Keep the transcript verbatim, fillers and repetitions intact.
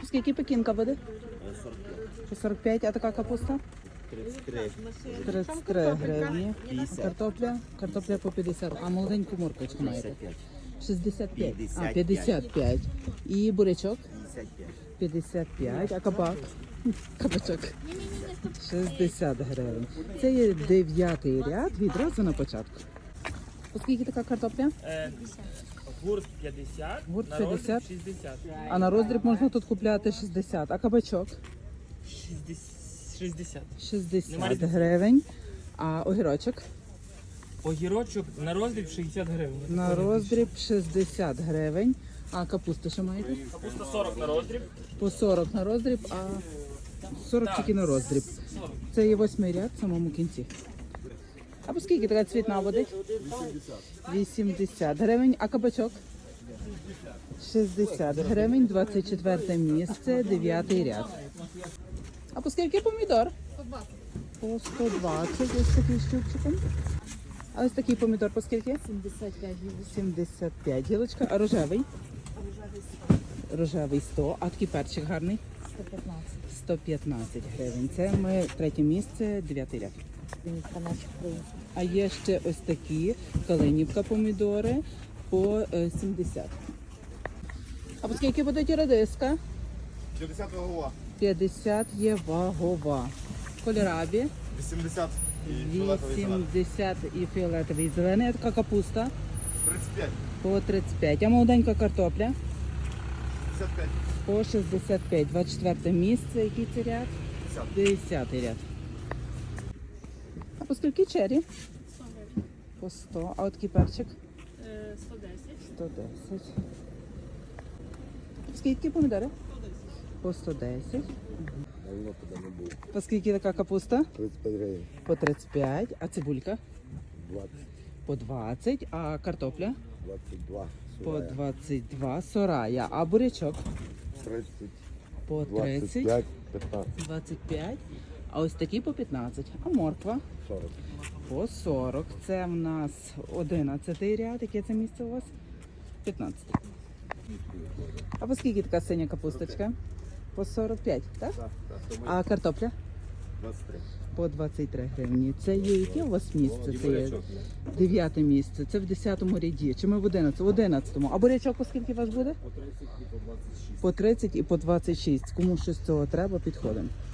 по скільки пекінка буде? сорок п'ять. По сорок п'ять, а така капуста? тридцять три. тридцять три гривні. Картопля? Картопля по п'ятдесят. А молоденьку морквочку маєте? п'ятдесят п'ять. шістдесят п'ять. А, п'ятдесят п'ять. І бурячок? п'ятдесят п'ять. п'ятдесят п'ять. А кабак? Кабачок? шістдесят гривень. Це є дев'ятий ряд відразу на початку. Оскільки така картопля? Е, Гурт п'ятдесят, Гурт на роздріб п'ятдесят. шістдесят. А на роздріб можна тут купляти шістдесят. А кабачок? шістдесят. шістдесят Немає різниці. гривень. А огірочок? Огірочок на роздріб шістдесят гривень. На роздріб шістдесят гривень. А капусту що маєте? Капуста сорок на роздріб. По сорок на роздріб, а сорок тільки на роздріб. Це є восьмий ряд в самому кінці. А по скільки така цвітна водить? вісімдесят гривень. А кабачок? шістдесят гривень, двадцять четверте місце, дев'ятий ряд. А по скільки помідор? По сто двадцять, ось такий щупчиком. А ось такий помідор по скільки? сімдесят п'ять гривень. сімдесят п'ять гілочка. А рожевий? Рожевий сто. А такий перчик гарний? сто п'ятнадцять. сто п'ятнадцять гривень. Це ми третє місце, дев'ятий ряд. Вінницька наших українців. А є ще ось такі калинівка помідори по е, сімдесят. А по скільки буде ті редиска? п'ятдесят вагова. п'ятдесят є вагова. Кольорабі вісімдесят і фіолетовий зелений. вісімдесят і фіолетовий зелений. А така капуста тридцять п'ять. по тридцять п'ять. А молоденька картопля п'ятдесят п'ять. по шістдесят п'ять. двадцять четверте місце. Який це ряд? десятий ряд. А по скільки чері? По сто. А от такий перчик? сто десять. сто десять. Скільки помідори? По сто десять. Давно туди не був. По скільки така капуста? тридцять п'ять гривень. По тридцять п'ять. А цибулька? двадцять. По двадцять. А картопля? двадцять два. По двадцять два. Сорая. А бурячок? тридцять. По двадцять тридцять. п'ять. п'ятнадцять. двадцять п'ять. А ось такі по п'ятнадцять. А морква? сорок. По сорок. Це в нас одинадцятий ряд. Яке це місце у вас? п'ятнадцятий. А по скільки така синя капусточка? По сорок п'ять, так? Так, так. Тому А картопля? двадцять три. По двадцять три гривні. Це є яке у вас місце? Це є дев'яте місце. Це в десятому ряді. Чи ми в одинадцятому? В одинадцятому. А бурячок по скільки у вас буде? По тридцять і по двадцять шість. По тридцять і по двадцять шість. Кому щось з цього треба, підходимо.